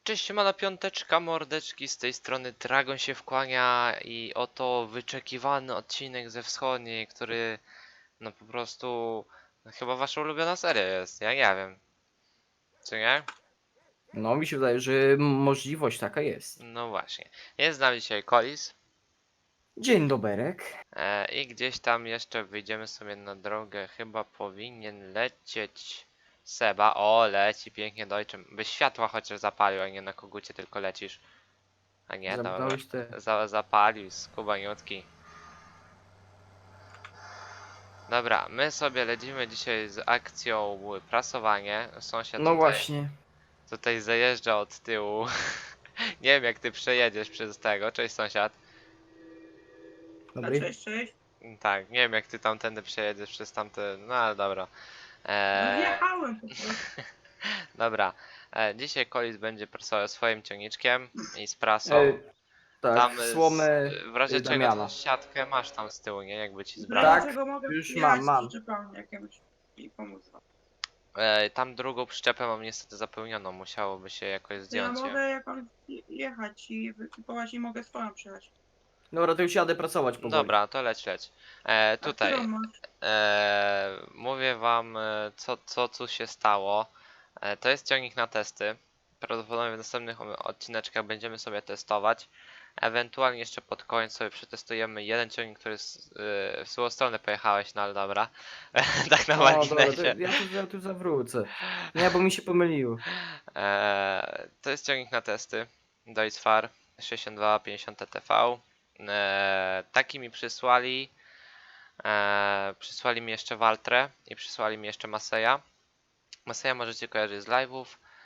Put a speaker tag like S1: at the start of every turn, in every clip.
S1: Cześć, siemana piąteczka, mordeczki, z tej strony Dragon się wkłania i oto wyczekiwany odcinek ze wschodniej, który no po prostu chyba wasza ulubiona seria jest, ja nie wiem, czy nie?
S2: No, mi się wydaje, że możliwość taka jest.
S1: No właśnie, jest z nami dzisiaj Kolis
S2: Dzień doberek.
S1: i gdzieś tam jeszcze wyjdziemy sobie na drogę, chyba powinien lecieć Seba, o leci pięknie dojczym, byś światła chociaż zapalił, a nie na kogucie tylko lecisz, a nie, dobra,
S2: Zamknąłeś te...
S1: zapalił, skubaniutki. Dobra, my sobie lecimy dzisiaj z akcją prasowanie. Sąsiad
S2: No
S1: tutaj,
S2: właśnie.
S1: tutaj zajeżdża od tyłu. Nie wiem jak ty przejedziesz przez tego. Cześć sąsiad.
S2: Dobry.
S3: Cześć, cześć.
S1: Tak, nie wiem jak ty tamtędy przejedziesz przez tamte. No ale dobra.
S3: No wjechałem po prostu.
S1: Dobra. Dzisiaj Kolis będzie prasował swoim ciągniczkiem i z prasą.
S2: Tak,
S1: Tam
S2: słomę
S1: w razie czego
S2: Damiana.
S1: tą siatkę masz tam z tyłu, nie? Jakby ci
S3: W
S1: zbrać.
S2: Tak,
S3: razie czego mogę
S2: już
S3: przyjechać
S2: mam.
S3: z przyczepami jakiemuś i pomóc wam.
S1: Tam drugą przyczepę mam niestety zapełnioną. Musiałoby się jakoś
S3: To ja
S1: zdjąć ją.
S3: mogę jakąś jechać i wykupować i mogę swoją przyjechać.
S2: Dobra, to już jadę pracować powoli.
S1: Dobra, to leć.
S3: A
S1: Tutaj
S3: którą masz?
S1: mówię wam co tu się stało. To jest ciągnik na testy. Prawdopodobnie w następnych odcineczkach będziemy sobie testować. Ewentualnie jeszcze pod koniec sobie przetestujemy jeden ciągnik, który w złą stronę pojechałeś, no ale dobra. Tak na
S2: O, dobra, to
S1: marginesie.
S2: ja tu zawrócę. Nie, bo mi się pomyliło.
S1: To jest ciągnik na testy. Deutz-Fahr 6250 TTV. Taki mi przysłali. Przysłali mi jeszcze Waltrę i przysłali mi jeszcze Maseja. Maseja możecie kojarzyć z live'ów.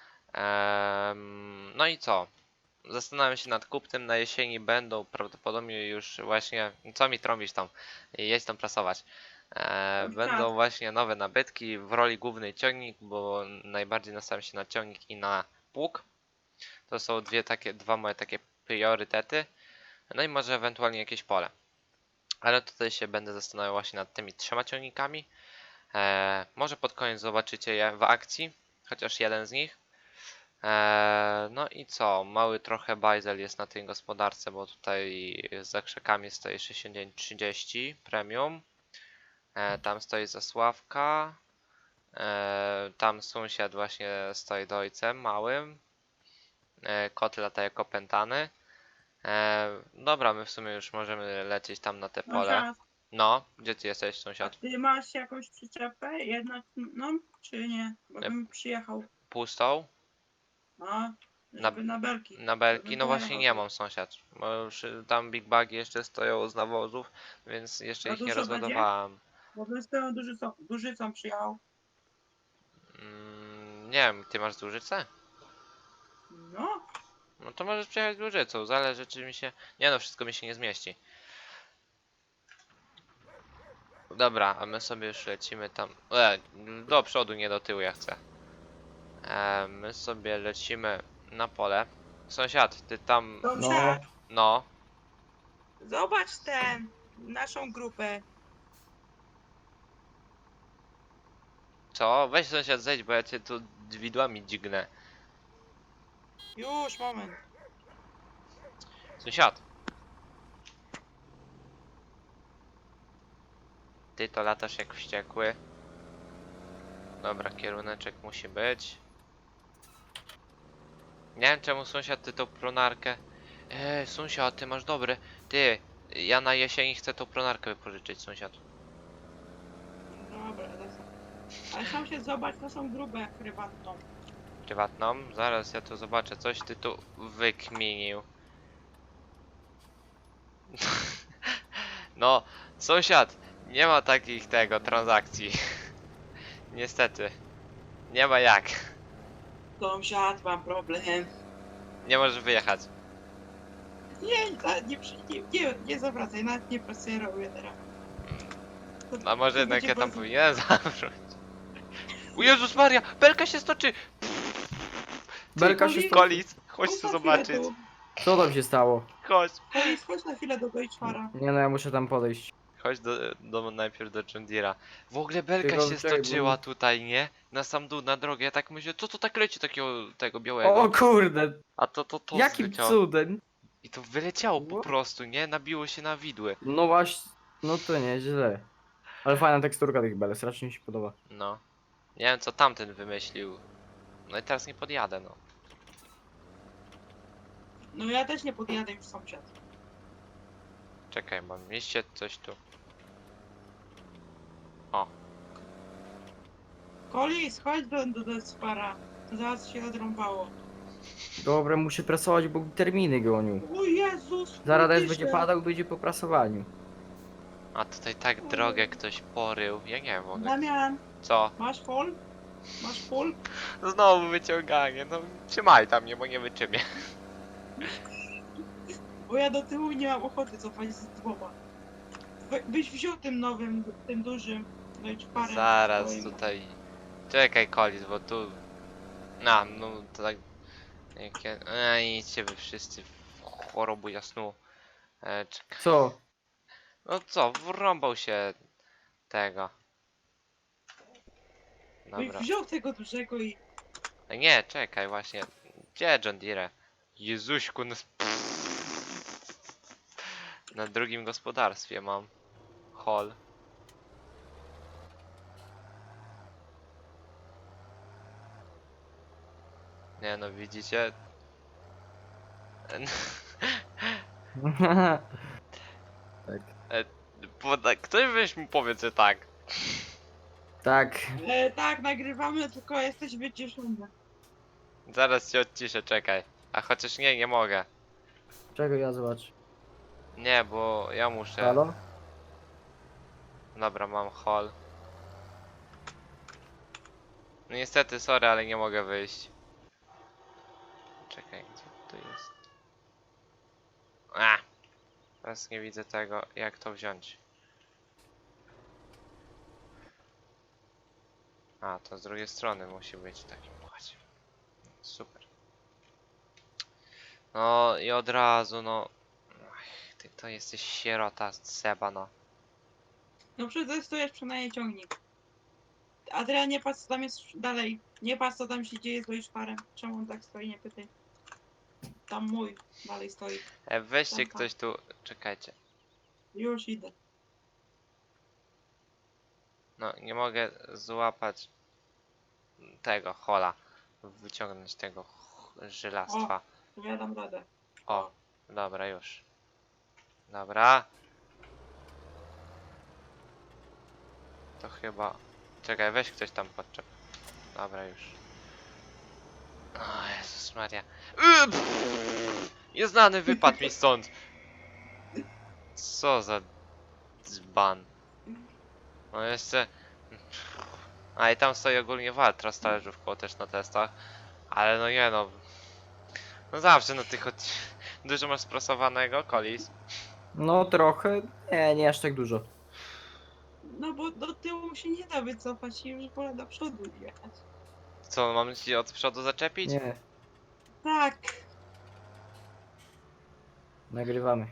S1: No i co? Zastanawiam się nad kupnem. Na jesieni będą prawdopodobnie już właśnie. Co mi trąbisz tam? Jedź tam prasować. Będą właśnie nowe nabytki w roli głównej ciągnik, bo najbardziej nastawiam się na ciągnik i na pług. To są dwa moje takie priorytety. No i może ewentualnie jakieś pole. Ale tutaj się będę zastanawiał właśnie nad tymi trzema ciągnikami. Może pod koniec zobaczycie je w akcji, chociaż jeden z nich. No i co? Mały trochę bajzel jest na tej gospodarce, bo tutaj za krzakami stoi 6930 premium. Tam stoi Zasławka. Tam sąsiad właśnie stoi dojcem małym. Kot lata jako opętany. Dobra, my w sumie już możemy lecieć tam na te pole.
S3: Sąsiad,
S1: No, gdzie ty jesteś,
S3: a
S1: sąsiad?
S3: ty masz jakąś przyczepę? Jednak, no, czy nie? Bo bym przyjechał.
S1: Pustą?
S3: No, żeby na belki.
S1: Na belki?
S3: Żebym
S1: No właśnie
S3: pojechał.
S1: nie mam, sąsiad. Bo już tam big bagi jeszcze stoją z nawozów, więc jeszcze
S3: A
S1: ich nie
S3: dużo będzie?
S1: rozładowałem.
S3: Bo bym z tą dużycą przyjechał.
S1: Nie wiem, ty masz Dłużycę?
S3: No,
S1: No to możesz przyjechać z Dłużycą, zależy czy mi się... Nie no, wszystko mi się nie zmieści. Dobra, a my sobie już lecimy tam... do przodu, nie do tyłu ja chcę. My sobie lecimy na pole. Sąsiad, ty tam...
S3: sąsiad,
S1: No,
S3: zobacz naszą grupę.
S1: co? Weź sąsiad zejdź, bo ja cię tu widłami dźgnę.
S3: Już, moment.
S1: Sąsiad. Ty to latasz jak wściekły. Dobra, kieruneczek musi być. Nie wiem czemu sąsiad ty tą pronarkę. Sąsiad, ty masz dobre. Ty, ja na jesieni chcę tą pronarkę wypożyczyć, sąsiad.
S3: Dobra, ale sąsiad, zobacz, to są grube jak prywatną.
S1: Prywatną? Zaraz ja tu zobaczę, coś ty tu wykminił. No, sąsiad, nie ma takich transakcji. Niestety. Nie ma jak.
S3: Sąsiad, mam problem.
S1: Nie możesz wyjechać.
S3: Nie zawracaj, nawet nie pracuję teraz.
S1: A może
S3: To
S1: jednak
S3: będzie
S1: ja tam
S3: bardzo-
S1: powinienem zawrócić. O Jezus Maria, belka się stoczy!
S2: Belka się sto...
S1: Kolis, chodź
S3: Chodź
S1: tu
S3: na
S1: zobaczyć.
S3: chwilę
S2: Co tam się stało?
S1: Chodź,
S3: Chodź na chwilę do Deutschfara.
S2: Nie no, ja muszę tam podejść.
S1: Chodź najpierw do John Deere'a. W ogóle belka
S2: Tylko
S1: się
S2: czekaj, bo
S1: stoczyła
S2: mi-
S1: tutaj, nie? Na sam dół, na drogę. Ja tak myślę, co to tak leci takiego tego białego?
S2: O kurde,
S1: A to
S2: jakim
S1: zleciało.
S2: cudem?
S1: I to wyleciało po
S2: No.
S1: prostu, nie? Nabiło się na widły.
S2: No właśnie, no to nieźle. Ale fajna teksturka tych belek, strasznie mi się podoba.
S1: No. Nie wiem co tamten wymyślił. No i teraz nie podjadę, no.
S3: No ja też nie podjadę już sąsiad.
S1: Czekaj, mam mieście coś tu.
S3: Kolis, chodź do spara. Zaraz się odrąbało.
S2: Dobra, muszę prasować, bo terminy gonią.
S3: O Jezus!
S2: Zaraz deszcz
S3: kurczę.
S2: będzie padał i będzie po prasowaniu.
S1: A tutaj tak drogę ktoś porył. Ja nie wiem w ogóle.
S3: Damian,
S1: Co?
S3: masz fol? Masz fol?
S1: Znowu wyciąganie, no trzymaj tam mnie, bo nie wyczymię.
S3: Bo ja do tyłu nie mam ochoty cofać z dwoma. Byś wziął tym nowym, tym dużym, no i parę.
S1: Zaraz
S3: swoim.
S1: tutaj. Czekaj Kolis, bo tu. No to tak. Jakie. Idźcie wy wszyscy w chorobu jasnu. Czekaj.
S2: Co?
S1: No co, wrąbał się tego.
S3: Byś
S1: Dobra.
S3: wziął tego dużego i...
S1: Nie, czekaj właśnie. Gdzie John Deere? Jezuśku, no... Na drugim gospodarstwie mam. Hall. Nie no, widzicie? Ktoś weź mu powie, że tak.
S2: Tak.
S3: tak, nagrywamy, tylko jesteś wyciszony.
S1: Zaraz się odciszę, czekaj. A chociaż nie mogę.
S2: Czego ja zobacz?
S1: Nie, bo ja muszę.
S2: Halo?
S1: Dobra, mam hall. No niestety, sorry, ale nie mogę wyjść. Czekaj, gdzie to jest? A! Teraz nie widzę tego, jak to wziąć. A, to z drugiej strony musi być w takim układzie. Super. No i od razu, no. Ach, ty to jesteś sierota Seba, no.
S3: No przetestujesz przynajmniej ciągnik. Adrian, nie patrz co tam jest dalej. Nie patrz co tam się dzieje z Wojszparem. Czemu on tak stoi, nie pytaj. Tam mój dalej stoi.
S1: Weźcie
S3: Tam, tam.
S1: ktoś tu, czekajcie.
S3: Już idę.
S1: No, nie mogę złapać tego hola. Wyciągnąć tego żylastwa.
S3: To ja dam radę.
S1: O, dobra, już. Dobra. To chyba... Czekaj, weź ktoś tam podczep. Dobra, już. O Jezus Maria. Nieznany wypadł mi stąd. Co za dzban. No jeszcze... A i tam stoi ogólnie Waltra z talerzówką też na testach. Ale no nie no. No zawsze na tych Dużo masz sprasowanego, Kolis?
S2: No trochę. Nie aż tak dużo.
S3: No bo do tyłu się nie da wycofać i już wolę do przodu jechać.
S1: Co, mam ci od przodu zaczepić?
S2: Nie.
S3: Tak.
S2: Nagrywamy.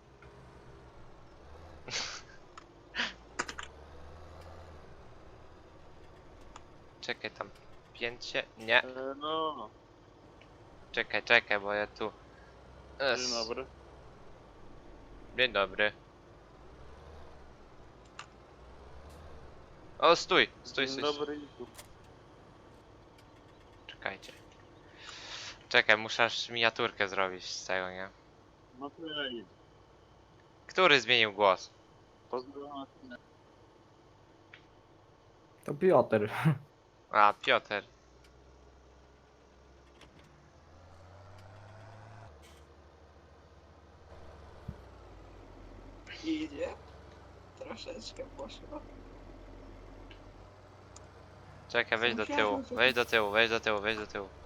S1: Czekaj tam. Pięcie? Nie.
S4: No,
S1: Czekaj, bo ja tu...
S4: dzień dobry.
S1: Dzień dobry. O, stój! Stój.
S4: Dzień dobry i tu.
S1: Czekajcie. Czekaj, muszę aż miniaturkę zrobić z tego, nie?
S4: No to ja idę.
S1: Który zmienił głos?
S4: Pozdrawiam.
S2: To Piotr.
S1: A, Piotr.
S3: Idzie. Troszeczkę poszło.
S1: Czekaj, wejdź do
S3: Sąsiadu,
S1: tyłu.
S3: co
S1: Wejdź do tyłu, wejdź do tyłu.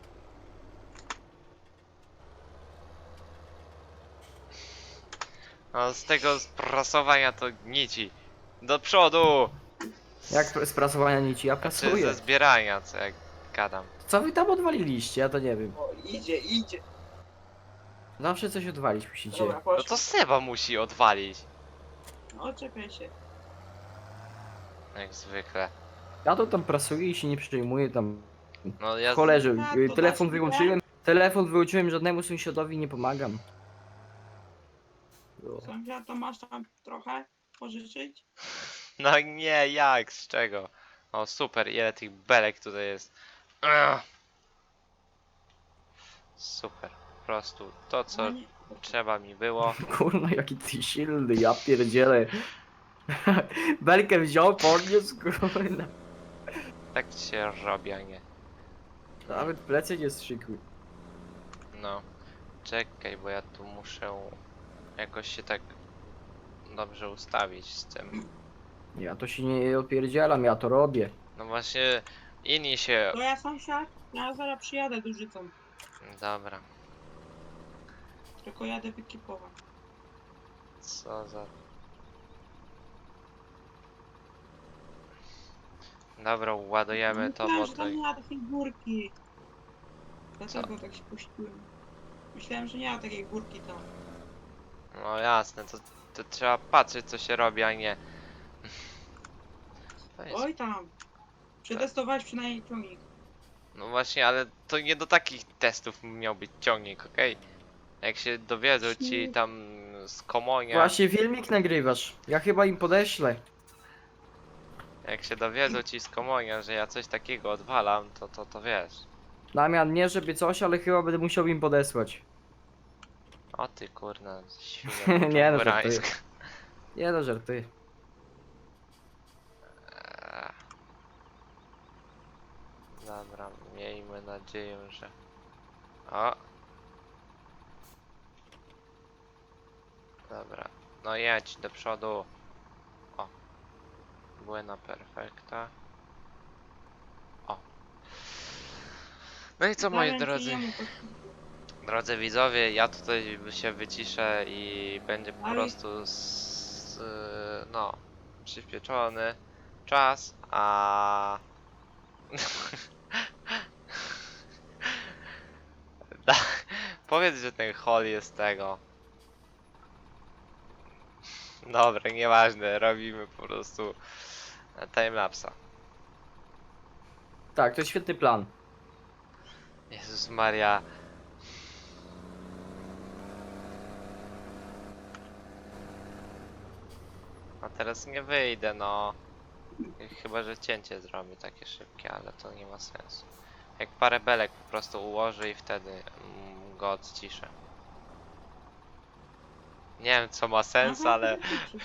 S1: No z tego sprasowania to nici. Do przodu!
S2: Jak z prasowania nici? Ja
S1: Czy
S2: prasuję.
S1: ze zbierania, co jak gadam.
S2: Co wy tam odwaliliście? Ja to nie wiem.
S3: O, idzie.
S2: Zawsze coś odwalić musicie.
S3: Dobra,
S1: No
S3: poszło.
S1: to Seba musi odwalić.
S3: Oczepiaj się.
S1: Jak zwykle.
S2: Ja to tam prasuję i się nie przejmuję tam.
S1: No ja...
S2: Cholerze,
S3: Tak, to
S2: telefon
S3: da się
S2: wyłączyłem. Telefon wyłączyłem, żadnemu sąsiadowi nie pomagam. No.
S3: Sąsiad, to masz tam trochę pożyczyć?
S1: No nie, jak? Z czego? O super, ile tych belek tutaj jest. Ugh. Super, po prostu to co
S3: No nie.
S1: trzeba mi było.
S2: Kurna, jaki ty silny, ja pierdzielę. Belkę wziął, podniósł, kurna.
S1: Tak się robi, a nie.
S2: Nawet plecy nie strzykuj.
S1: No. Czekaj, bo ja tu muszę jakoś się tak dobrze ustawić z tym.
S2: Ja to się nie opierdzielam, ja to robię.
S1: No właśnie inni się...
S3: To ja sąsiad, ja zaraz przyjadę dużycą.
S1: Dobra,
S3: Tylko jadę wykipować.
S1: co za... Dobra, ładujemy to, bo
S3: Myślałem, że
S1: to...
S3: tam nie ma takiej górki. Dlatego tak się puściłem. Myślałem, że nie ma takiej górki tam.
S1: No jasne, to trzeba patrzeć co się robi, a nie... To jest...
S3: Oj tam. Przetestowałeś przynajmniej ciągnik.
S1: No właśnie, ale to nie do takich testów miał być ciągnik, okej? Jak się dowiedzą ci tam z Komonia,
S2: Właśnie filmik nagrywasz. Ja chyba im podeślę.
S1: jak się dowiedzą ci z Komonia, że ja coś takiego odwalam, to wiesz.
S2: Damian, nie żeby coś, ale chyba będę musiał im podesłać.
S1: O ty kurna, świnia
S2: Nie, no,
S1: poczołurańska.
S2: Nie no, żartuję.
S1: Dobra, miejmy nadzieję, że... O! Dobra, no jedź do przodu. O! Buena perfekta. O! No i co moi
S3: Zamiast
S1: drodzy?
S3: jemu
S1: Drodzy widzowie, ja tutaj się wyciszę i będzie po
S3: Ale-
S1: prostu no, przyspieszony czas, a da, powiedz, że ten hol jest tego. Dobra, nieważne, robimy po prostu timelapsa.
S2: Tak, to jest świetny plan.
S1: Jezus Maria. A teraz nie wyjdę, no. Chyba, że cięcie zrobię takie szybkie, ale to nie ma sensu. Jak parę belek po prostu ułożę i wtedy go odciszę. Nie wiem co ma sens,
S3: Aha,
S1: ale...
S3: to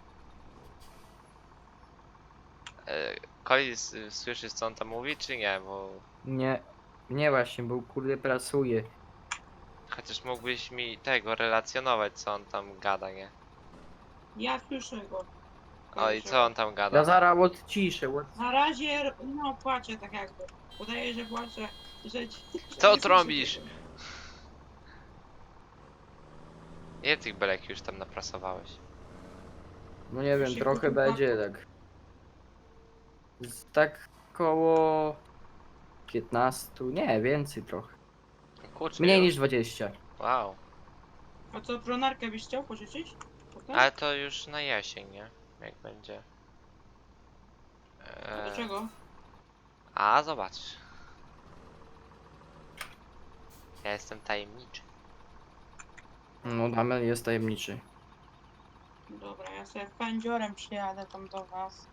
S1: Kolis, słyszysz co on tam mówi, czy nie? Bo...
S2: Nie, nie właśnie, bo kurde pracuje.
S1: Chociaż mógłbyś mi tego relacjonować, co on tam gada, nie?
S3: Ja słyszę go.
S1: O i co on tam
S2: Ja
S1: gada?
S2: zaraz odciszę.
S3: Na razie, no płaczę tak jakby. Udaje, że płaczę, że...
S1: Co trąbisz? Ile tych belek już tam naprasowałeś?
S2: No nie wiem,
S3: Się
S2: trochę
S3: kupił
S2: będzie tak. Tak koło 15, nie, więcej trochę.
S1: Kurczę,
S2: Mniej
S1: już.
S2: niż 20.
S1: Wow.
S3: A co, pronarkę byś chciał pożyczyć? Potem?
S1: Ale to już na jesień, nie? Jak będzie.
S3: A do czego?
S1: A zobacz. Ja jestem tajemniczy.
S2: No Damian jest tajemniczy.
S3: Dobra, ja sobie pędziorem przyjadę tam do was.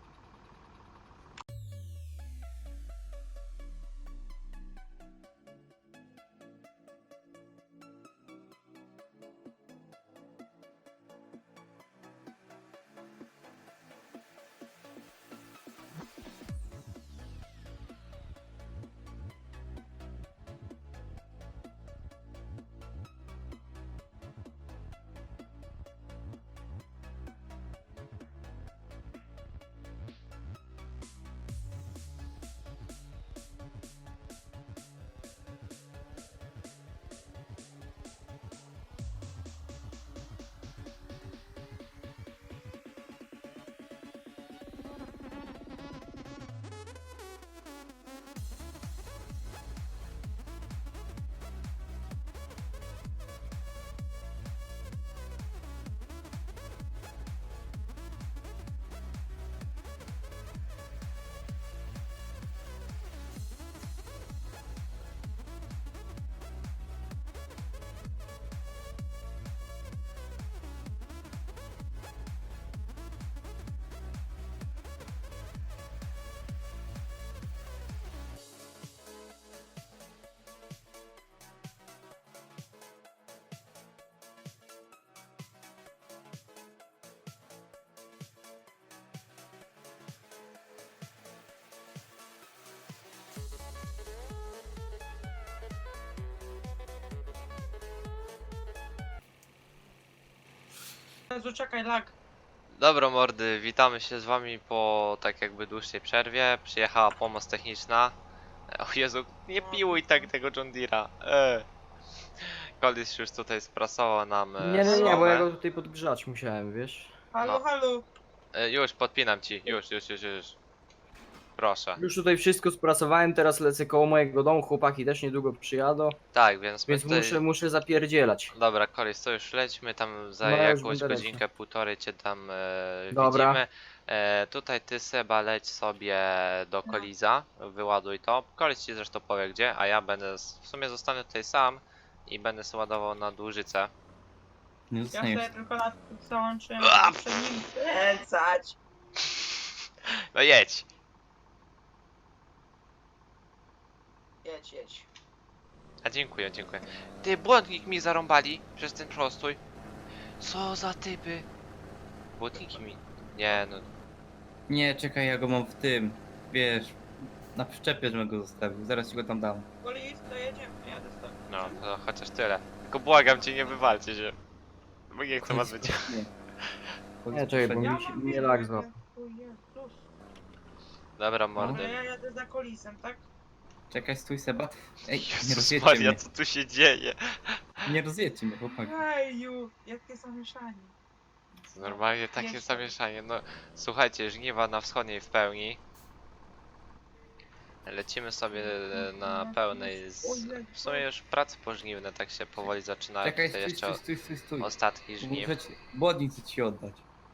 S3: Jezu, czekaj, lag.
S1: Dobra mordy, witamy się z wami po tak jakby dłuższej przerwie. Przyjechała pomoc techniczna. O Jezu, nie piłuj tak tego John Deere'a. Kolis już tutaj sprasował nam
S2: Nie, bo ja
S1: słomę.
S2: go tutaj podgrzać musiałem, wiesz?
S3: Halo,
S1: No.
S3: halo.
S1: Już, podpinam ci, już. Proszę.
S2: Już tutaj wszystko sprasowałem, teraz lecę koło mojego domu, chłopaki też niedługo przyjadą,
S1: Tak, więc my
S2: więc
S1: tutaj...
S2: muszę zapierdzielać.
S1: Dobra, Kolis, to już lećmy tam za
S2: No, ja już
S1: jakąś
S2: będę
S1: godzinkę, półtorej cię tam
S2: Dobra.
S1: widzimy. Tutaj ty Seba leć sobie do
S3: No.
S1: Koliza, wyładuj to. Kolis ci zresztą powie gdzie, a ja będę, w sumie zostanę tutaj sam i będę sobie ładował na dłużycę.
S5: Nie
S3: Ja
S5: zostaniesz.
S3: sobie tylko lat załączyłem,
S1: A!
S3: żeby przed nim kręcać.
S1: No jedź!
S3: Jedź, jedź.
S1: A dziękuję. Ty, błotnik mi zarąbali przez ten prostój. Co za typy? Błotniki mi... Nie no,
S5: Nie, czekaj, ja go mam w tym. Wiesz, na przyczepie, żebym go zostawił. Zaraz ci go tam dam.
S3: Kolis, to jedziemy, jadę z tobą.
S1: no to chociaż tyle. Tylko błagam cię, nie wywalcie się. Bo nie chcę was być.
S5: Nie.
S2: Nie, czekaj, bo
S3: Ja
S2: mi się
S3: mam
S2: nie
S3: wiedzę,
S2: lag
S3: jak
S2: złapał.
S3: ja- o Jezus.
S1: Dobra,
S3: Dobra,
S1: mordy.
S3: ja jadę za Kolisem, tak?
S5: Czekaj, stój Seba. Ej, nie
S1: Jezus
S5: rozjedźcie
S1: Maria,
S5: mnie.
S1: co tu się dzieje?
S5: Nie rozjedźcie mnie, chłopaki.
S3: Eju, jakie zamieszanie.
S1: Normalnie takie
S3: Jeszcze.
S1: zamieszanie. No słuchajcie, żniwa na wschodniej w pełni. Lecimy sobie na pełnej. W sumie już prace pożniwne tak się powoli zaczynają.
S5: Czekaj,
S1: Tutaj
S5: stój,
S1: jeszcze
S5: stój.
S1: ostatki żniw.
S5: Muszę ci... Błodnik chcę ci oddać.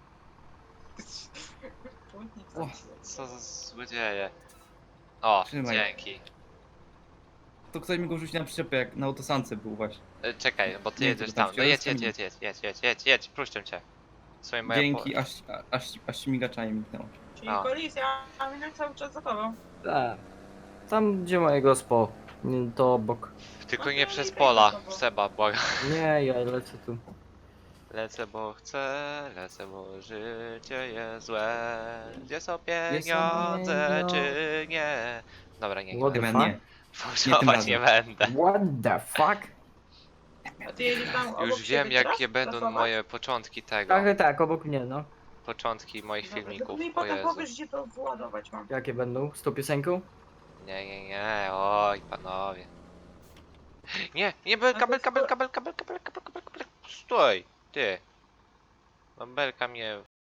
S5: O,
S1: Co za złodzieje. O,
S5: Trzymaj.
S1: dzięki.
S5: To ktoś mi go rzucił na przyczepę, jak na autosance był właśnie.
S1: Czekaj, bo ty
S5: Nie,
S1: jedziesz
S5: to tam
S1: tam. No jedź,
S5: wciąż
S1: jedź, puszczę cię. Słuchaj, moja
S5: Dzięki, aż śmigaczami miknęło.
S3: Czyli
S1: A.
S3: Kolis, ja mam jechać cały czas za tobą.
S2: Tak. Tam gdzie moje gospo, to obok.
S1: Tylko
S3: No
S1: nie
S3: to
S1: przez
S3: i tak
S1: pola,
S3: za tobą.
S1: Seba, błagam.
S2: Nie, ja lecę tu.
S1: Lecę, bo chcę, lecę, bo życie jest złe. Gdzie są
S2: Gdzie są
S1: pieniądze,
S2: pieniądze?
S1: czy nie? Dobra, nie,
S2: What the
S5: Chyba
S2: fuck?
S5: nie.
S1: Fałszować nie będę.
S2: What the fuck?
S3: A ty jedziesz tam obok
S1: Już
S3: siebie
S1: wiem,
S3: teraz?
S1: jakie będą
S3: Pracować?
S1: moje początki tego.
S2: Tak, obok mnie, no.
S1: Początki moich
S3: Dobra,
S1: filmików,
S3: tylko mi
S1: o
S3: potem
S1: Jezu.
S3: powiesz, gdzie to wyładować mam.
S2: Jakie będą? Z tą piosenką?
S1: Nie, oj panowie. Nie, kabel. Stój, ty. No belka mnie